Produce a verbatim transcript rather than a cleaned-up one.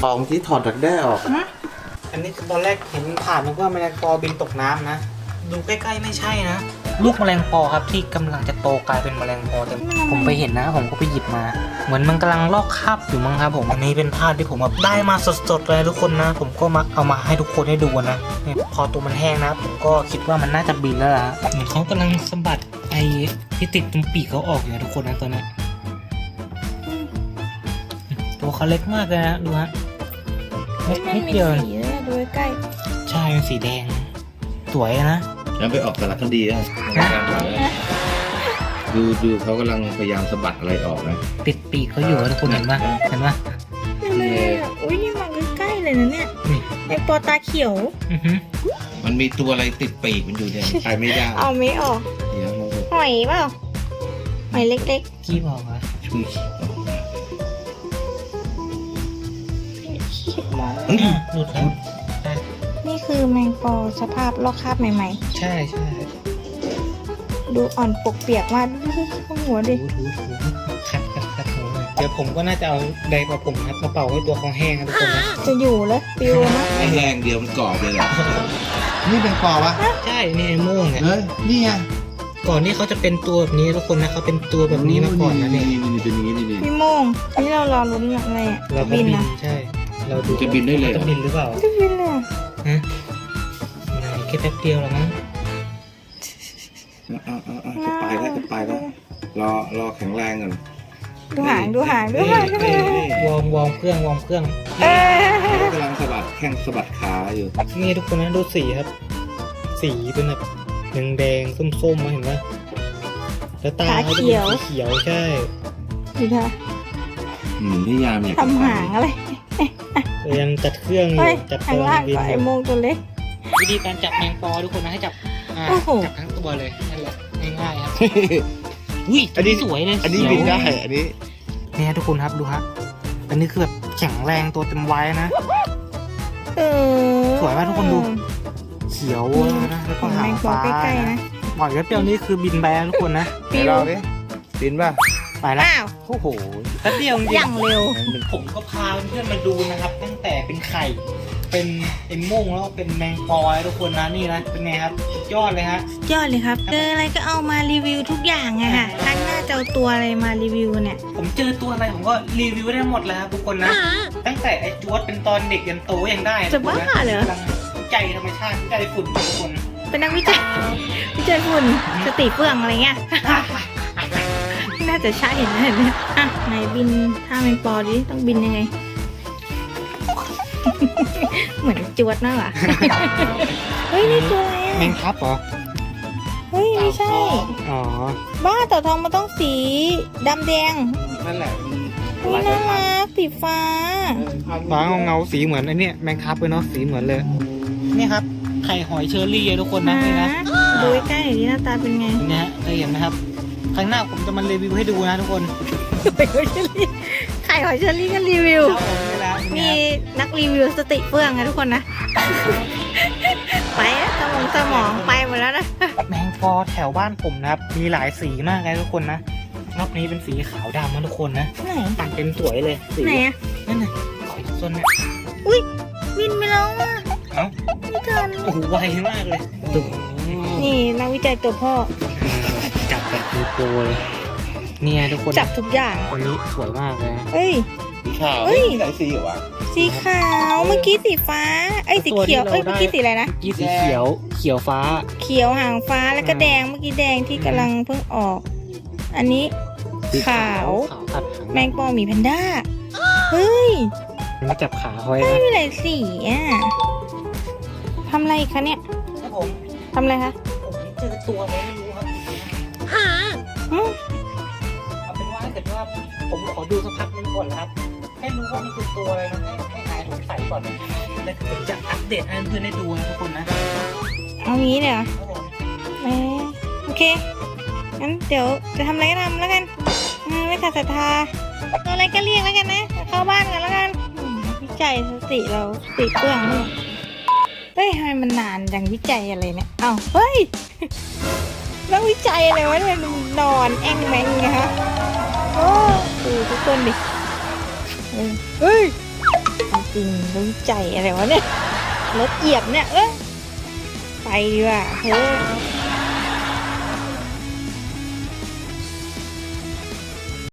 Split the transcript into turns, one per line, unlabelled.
ออกที่ถอดดักแด้ออก
อันนี้คือตอนแรกเห็นผ่านนึกว่าแมลงปอบินตกน้ำนะดูใกล้ๆไม่ใช่นะลูกแมลงปอครับที่กำลังจะโตกลายเป็นแมลงปอแต่ผมไปเห็นนะผมก็ไปหยิบมาเหมือนมันกำลังลอกคราบอยู่มั้งครับผมอันนี้เป็นภาพที่ผมแบบได้มาสดๆเลยทุกคนนะผมก็มาเอามาให้ทุกคนได้ดูนะเนี่ยพอตัวมันแห้งนะผมก็คิดว่ามันน่าจะบินแล้วล่ะเหมือนเขากำลังสะบัดไอ้ที่ติดตรงปีกเขาออกอยู่นะทุกคนนะตัวนี้ตัวเขาเล็กมากเลยนะดูฮะเล็กนิดเดียว
สีเลยดูใกล้
ใช่เป็นสีแดงสวยนะ
แล้วไปออกสารคดีนะดูดูเขากำลังพยายามสะบัดอะไรออกนะ
ติดปีกเขาอยู่ทุกคนเห็นปะเห็นปะ
เลยอ่ะอุ้ยนี่มันใกล้ๆเลยนะเนี่ยไอปอตาเขียว
อือฮึ
มันมีตัวอะไรติดปีกมันอยู่เนี่ยไปไม่ได้
เอาไม่ออก
เดี๋ยวเราจะ
หอยเปล่าหอยเล็ก
กี้บอกว่า
ช่วย
หลุดแล้ว
ๆนี่คือแมงปอสภาพลอกคราบใหม่
ใช่ใช่
ๆ ดูอ่อนปกเปียกมากดูหัวดิ
ถูถูถูขัดขัดขัดหูเลยเดี๋ยวผมก็น่าจะเอาไดร์ประผมครับมาเป่าให้ตัวเขาแห้งนะทุกคนนะ
จะอยู่แล้วปิวนะ
ไอ้แรงเดียวมันกรอบเลยแหละนี่เป็นกรอบวะ
ใช่นี่ไอ้โม่งเนี่ย
เฮ้ยนี่ไง
ก่อนนี่เขาจะเป็นตัวแบบนี้ทุกคนนะเขาเป็นตัวแบบนี้มาก่อนนะเนี่ย
นี่นี่เป็นอย่างนี้นี่นี่
พี่โมงนี่เรารอลุ้นอะไรอ่ะ
เราก็
บิน
บิน
นะ
ใช่เราดู
จะบินได้เลยเหรอ
จะบินหรือเปล่า
จะบินเลยอะ
ฮะไหนแค่แป๊บเดียวหรอมั้ง
อ่าอ่าอ่าจะไปแล้วจะไปแล้วรอรอแข็งแรงก่อน
ดูหางดูหางดูหางดูหาง
วอร์มวอร์มเครื่องวอร์มเครื่อง
เออ
เขากำลังสะบัดแข้งสะบัดขาอยู่
นี่ทุกคนนะดูสีครับ สีเป็นแบบแดงแดงๆส้มๆมาเห็นไหมแล้วตาเขาจะเป็นสีเขียวใช่
ดูท่า
อืมพี่ยามเนี่ย
ทำหางอะไร
แต่ยังจัดเครื่องอยู่
เฮ้ย
จัด
ข้างล่าง
บิน
ก็
อ
ไอยู่ โมงตัวเล็ก
วิธีการจับแมงปอทุกคนนะให้จับอ่า
โอ้โห
จับทั้งตัวเลยนั่นแหละง่ายๆครับอุ้ยอันนี้สวยเลย
อันนี้
เขียว
บินได้อันนี้
เนี่ยทุกคนครับดูฮะอันนี้คือแบบแข็งแรงตัวเต็มวัยนะ
เออ
สวยมากทุกคนดู เขียวนะแล้วก็
แม
หาง
งปอ
ฟ้า
ใกล้ๆนะ
ปล่อยแป๊บเดียวนี้คือบินไปแล้วทุกคนนะ
ปิว
เราดิบินป่ะ
ไปแล้ว
อ้าว
โอ้โห
แป๊บเดียวจริ
อย่าง งเร็ว
ผมก็พาเพื่อนๆมาดูนะครับ ตั้งแต่เป็นไข่ เป็นเอ็มม่งแล้วก็เป็นแมงปอยทุกคนนะนี่นะเป็นไงครับสุดยอดเลยฮะ
ยอดเลยครับเจออะไรก็เอามารีวิวทุกอย่างอะค่ะครั้งหน้าจะเอาตัวอะไรมารีวิวเนี่ย
ผมเจอตัวอะไรผมก็รีวิวได้หมดแล้วครับทุกคนนะ ตั้งแต่ไอ้จวดเป็นตอนเด็กยันโตยังได้
จะบ้าเหรอ
กำลังวิจัยธรรมชาติวิจัยฝุ่นทุกคน
เป็นนักวิจัย วิจัยฝุ่นสติเฟื่องอะไรเงี้ย น่าจะใช่นะเนี่ยอ่ะไหนบินท่าแมงปอดิต้องบินยังไง เหมือนจวดมากอ่ะ เฮ้ยนี่ตัวอะไร
แม
อ่ะ
งทับเหรอ
เฮ้ยไม่ใช่
อ๋อ
บ้าเต่าทองมันต้องสีดำแดง
นั่นแหละ
อุ้ยน่ารักสีฟ้า
ฟ้าเงาเงาๆสีเหมือนไอ้เนี่ยแมงทับเลยเนาะสีเหมือนเลยนี่ครับไข่หอยเชอรี่ทุกคนนะนี่นะ
ดูใกล้ๆหน่อยดิหน้าตาเป็นไง
นี่ฮะเคยเห็นไหมครับครั้งหน้าผมจะมารีวิวให้ดูนะทุกคน
ไข่หอยเชอรี่ไข่หอยเชอรี่ก็รีวิว
ครับผมนี่แหละ
มีนักรีวิวสติเฟื่องนะทุกคนนะ ไปแล้วสมองสมองไปหมดแล้วนะ
แมงปอแถวบ้านผมนะครับมีหลายสีมากเลยทุกคนนะรอบนี้เป็นสีขาวดำนะทุกคนนะ
ไหน
ตัดเต็มสวยเลยสี
ไหนอะ
นั่นน่ะขอยส้นเนี่ย
อุ้ยวินไปแล้วอ่ะ
เอ้า
ไม่ทัน
โอ้โหไวมากเลยตุ๊บ
นี่นักวิจัยตัวพ่อ
จับแบบดูโปรเลยเนี่ยทุกคน
จับทุกอย่าง
คนนี้สวยมากเลยนะ
เอ้ย
สีขาว
เฮ้ย
ไหนสีเหรอวะ
สีขาวเมื่อกี้สีฟ้า เอ้ยสีเขียว เอ้ยเมื่อกี้สีอะไรนะ
เมื่อกี้สีเขียวเขียวฟ้า
เขียวหางฟ้าแล้วก็แดงเมื่อกี้แดงที่กำลังเพิ่งออก อันนี้ ขาว
ขาวตัดหาง
แมงปอหมีแพนด้า เฮ้ย
มาจับขาหอย
ไม่
นะ
มีหลายสีอ่ะทำอะไรอีกคะเนี่ย
ครับผม
ทำอะไรคะ
ผมเจอตัวอะไรไม่รู้ครับ
อืม
เอาเป็นว่าถ้าเกิดว่าผมขอดูสักพักนึงก่อนนะครับให้รู้ว่ามันคือตัวอะไรนะให้ให้หายสงสัยก่อนนะแล้วผมจะอัปเดตให้เพื่อนได้ดูนะทุกคนนะ
เอางี้เลยเหรอ
ครับผม
เออโอเค งั้นเดี๋ยวจะทำอะไรก็ทำแล้วกันอืมไม่ขาดศรัทธาเอาอะไรก็เรียกแล้วกันนะ เข้าบ้านกันแล้วกันอืมวิจัยสติเราสติเปลืองนี่เฮ้ยทำไมมันนานจังวิจัยอะไรเนี่ย เอ้า เฮ้ย แล้ววิจัยอะไรวะเนี่ยนอนแองแมงไงฮะโอ้ดูทุกคนดิเออเฮ้ยจริงรู้ใจอะไรวะเนี่ยรถเหยียบเนี่ยเอ้ยไปดีกว่าเฮ้ย